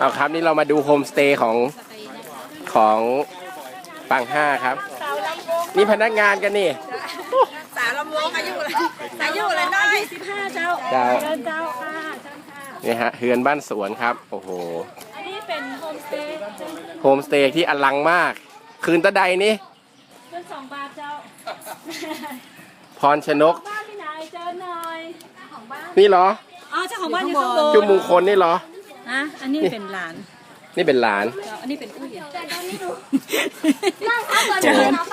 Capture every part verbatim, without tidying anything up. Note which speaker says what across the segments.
Speaker 1: เอาครับนี่เรามาดูโฮมสเตย์ของของปังห้าครับนี่พนักงานกันนี่
Speaker 2: สาวลำวงอายุอะไรอายุอะไรน้อยสิบห้าเจ้า
Speaker 1: เจ้า
Speaker 2: เดินเจ้าค่ะเจ้าค่ะ
Speaker 1: นี่ฮะเฮือนบ้านสวนครับโอ้โห
Speaker 2: อันนี้เป็นโฮมสเตย์
Speaker 1: โฮมสเตย์ที่อลังมากคืนตะไดนี่
Speaker 2: เงินสองบาทเจ้า
Speaker 1: พรชนก
Speaker 2: บ้านที่ไหนเจอหน่อยของบ้าน
Speaker 1: นี่เหรอ
Speaker 2: อ๋อเจ้าของบ้านอยู่ข้างบน
Speaker 1: จุมมงคลนี่เหรอ
Speaker 2: อ่ะอันนี้เป็นหลาน
Speaker 1: นี่เป็นหลาน
Speaker 2: เจ้าอันนี้เป็นอุ้ยเจิน
Speaker 1: เจิน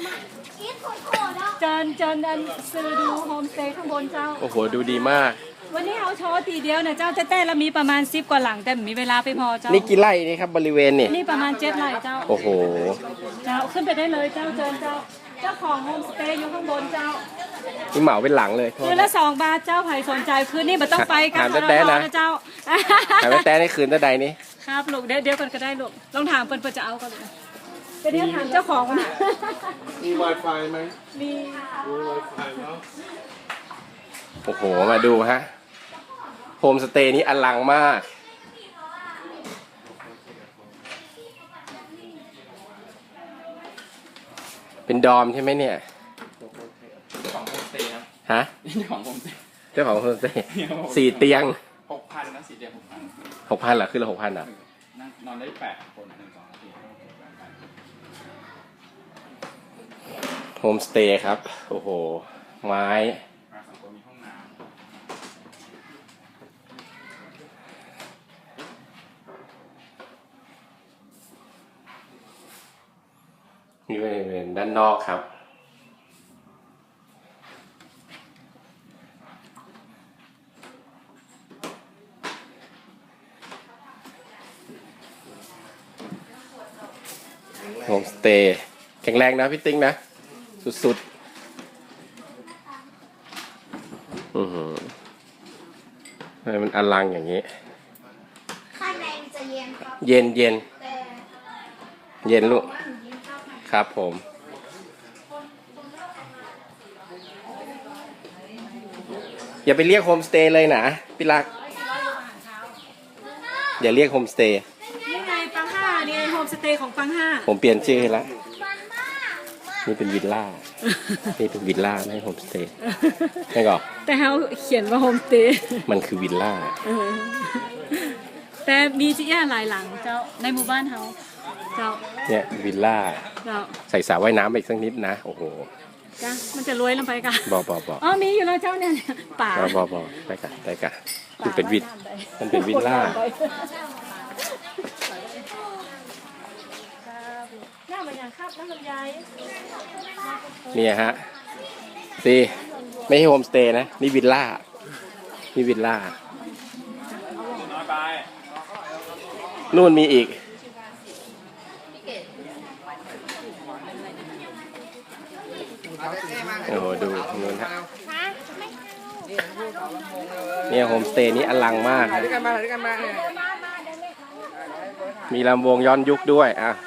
Speaker 2: เจินเจินอันซื้อดูโฮมสเตย์ข้างบนเจ้า
Speaker 1: โอ้โหดูดีมาก
Speaker 2: วันนี้เอาโชว์ตีเดียวเนี่ยเจ้าจะแต่ละมีประมาณสิบกว่าหลังแต่มีเวลาไปพอเจ้า
Speaker 1: นี่กี่ไร่นี่ครับบริเวณนี่
Speaker 2: นี่ประมาณเจ็ดไร่เจ้า
Speaker 1: โอ้โห
Speaker 2: เจ้าขึ้นไปได้เลยเจ้าเจินเจ้าเจ้าของโฮมสเตย์อยู่ข้างบนเจ้า
Speaker 1: นี่เหมาเป็นหลังเลยโทษ
Speaker 2: คืนละสองบาทเจ้าไผ่สนใจคืนนี้มันต้องไปกัน
Speaker 1: ถามแต๊ะๆนะ
Speaker 2: เจ้า
Speaker 1: แต่ว่าแต่ในคืนตะไดนี่
Speaker 2: ครับลูกเดี๋ยวเดี๋ยวกันก็ได้ลูกลองถามเปิ้นเปิ้นจะเอากันลูกเดี๋ยวเดี๋ยวถามเจ้าของก่อนนะ
Speaker 3: มี Wi-Fi ไหม
Speaker 2: มี
Speaker 3: มี Wi-Fi แล้ว
Speaker 1: โอ้โหมาดูฮะโฮมสเตย์นี้อลังมากเป็นดอมใช่ไหมเนี่ย
Speaker 3: ของโฮมสเตย์ครับ
Speaker 1: ฮะ
Speaker 3: นี่ของโฮมสเตย์
Speaker 1: เจ้าของโฮมสเตย์สี่เตียง
Speaker 3: หกพันนะสี่เตียงหกพัน
Speaker 1: หกพันเหรอขึ้นละหกพันเหรอ
Speaker 3: นั่งนอนได้แปดคนหนึ่งสองสี่
Speaker 1: โฮมสเตย์ครับโอ้โหไม้
Speaker 3: มาสองคนมีห้องน้
Speaker 1: นี่เป็นด้านนอกครับโฮมสเตย์แข็งแรงนะพี่ติ๊งนะสุดๆอือหือทำไมมันอลังอย่างนี้
Speaker 4: ข้างในมันจะเย็นครับ
Speaker 1: เย็นเย็น
Speaker 4: แต่
Speaker 1: เย็นลูก
Speaker 4: ว่าหนูเย็นครับ
Speaker 1: ครับผม อย่าไปเรียกโฮมสเตย์เลยนะพี่รัก อย่าเรียกโฮมสเตย์
Speaker 2: นี่ไงปังห้านี่โฮมสเตย์ของปังห้า
Speaker 1: ผมเปลี่ยนชื่อให้แล้ว
Speaker 4: มันมาก
Speaker 1: นี่เป็นวิลล่า นี่เป็นวิลล่าไม่ใช่โฮมสเตย์ใช่ก่อ
Speaker 2: แต่เขาเขียนว่าโฮมสเตย์
Speaker 1: มันคือวิลล่า
Speaker 2: แต่มีจีแย่หลายหลังเจ้าในหมู่บ้านเขาเจ้า
Speaker 1: เนี่ยวิลล่า
Speaker 2: เจ้า
Speaker 1: ใส่สระว่ายน้ำไปอีกสักนิดนะ โอ้โห
Speaker 2: จ้ะมันจะรวยลงไปกัน
Speaker 1: บอบอบอ
Speaker 2: อ๋อมีอยู่แล้วเจ้าเนี่ยป่า
Speaker 1: บอบอบอได้กะได้กะมันเป็นวิลมันเป็นวิลล่า
Speaker 2: หน้ามันอย่างครับน้ำลำไย
Speaker 1: เนี่ยฮะสิไม่ใช่โฮมสเตย์นะ นี่วิลล่า นี่วิลล่า
Speaker 3: ำน้อยไป
Speaker 1: นู่นมีอีก โอ้โหดูนู่นฮะเนี่ยโฮมสเตย์นี้อลังมากนะมีลำวงย้อนยุคด้วยอ่ะ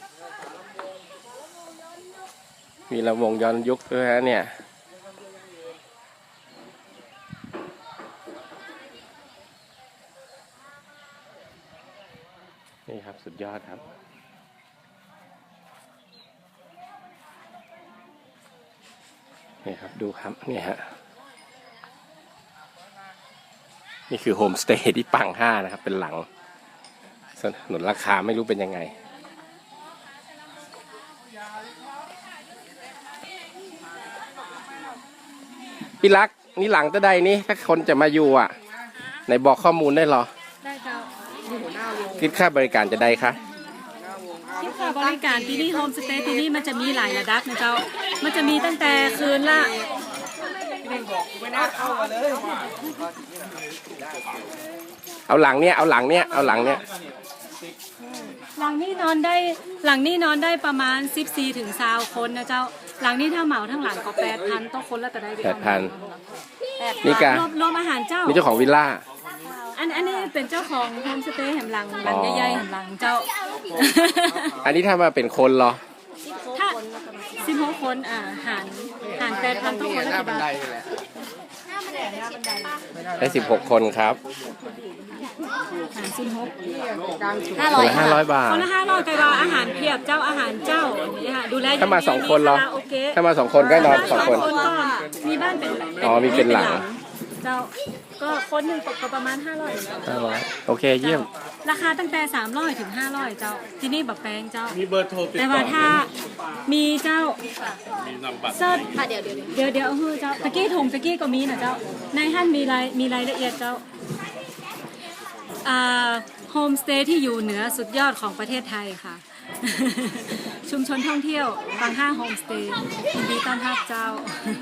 Speaker 1: มีลำวงย้อนยุคด้วยฮะเนี่ย นี่ครับสุดยอดครับ นี่ครับดูครับเนี่ยฮะนี่คือโฮมสเตย์ที่ปังห้านะครับเป็นหลังสนุนราคาไม่รู้เป็นยังไงพี่รักนี่หลังตะใดนี่ถ้าคนจะมาอยู่อ่ะไหนบอกข้อมูลได้เหรอ
Speaker 2: ได้เจ้า
Speaker 1: คิดค่าบริการจะได้คะ
Speaker 2: คิดค่าบริการที่นี่โฮมสเตย์ที่นี่มันจะมีหลายระดับนะเจ้ามันจะมีตั้งแต่คืนละ
Speaker 1: เอาหลังเนี้ยเอาหลังเนี้ยเอาหลังเนี้ย
Speaker 2: หลังนี้นอนได้หลังนี้นอนได้ประมาณสิบสี่ถึงยี่สิบคนนะเจ้าหลังนี้ถ้าเหมาทั้งหลังก็แปดพันต้องคนละแต่ได้
Speaker 1: แปดพัน
Speaker 2: แปด
Speaker 1: นี่กะ
Speaker 2: รวมรวมอาหารเจ้า
Speaker 1: นี่เจ้าของวิลล่า
Speaker 2: อันอันนี้เป็นเจ้าของโฮมสเตย์แห่งหลังหลังใหญ่ๆแห่งหลังเจ้า
Speaker 1: อันนี้ถ้ามาเป็นคนเหรอ
Speaker 2: ถ้าสิบหกคนอ่าหารหารแปดพันต้องคนละกี่บาท
Speaker 1: ได้สิบหกคนครับ
Speaker 2: หารสิบหก
Speaker 5: ห้า
Speaker 1: ค
Speaker 5: ร้อน ย
Speaker 1: ละห้าร้อยบาท
Speaker 2: คนละห้าร้อยไกว่าอาหารเพียบเจ้าอาหารเจ้าอย่างนี้ค่ะดูแล
Speaker 1: ถ้ามาสองคนเหรอ
Speaker 2: มีาาโอเกะ
Speaker 1: ถ้ามาสองคนก็นอนสองคน
Speaker 2: ก็มีบ้านเป็น
Speaker 1: อ๋อมีเป็นหลัง
Speaker 2: เจ้าก็คนหนึ่งตกก็ประมาณห้าร้อย
Speaker 1: ห้าร้อยโอเคเยี่ยม
Speaker 2: ราคาตั้งแต่สามร้อยถึงห้าร้อยเจ้าที่นี่แบบแพงเจ้า
Speaker 6: มีเบอร์โทรติด
Speaker 2: แต่
Speaker 6: ต่
Speaker 2: ว่า
Speaker 6: อ
Speaker 2: ถ้ามีเจ้า
Speaker 6: มีนามบัตร
Speaker 2: เซิร์ช
Speaker 5: ค่ะเดี๋ยวเดี๋ยวเดี๋ยว
Speaker 2: เดี๋ยวเดี๋ยวเอาเฮ้อเจ้าตะกี้ถุงตะกี้ก็มีนะเจ้าในท่านมีรายมีรายละเอียดเจ้าอ่าโฮมสเตย์ที่อยู่เหนือสุดยอดของประเทศไทยค่ะ ชุมชนท่องเที่ยวบางห้าโฮมสเตย์ยินดีต้อนรับเจ้า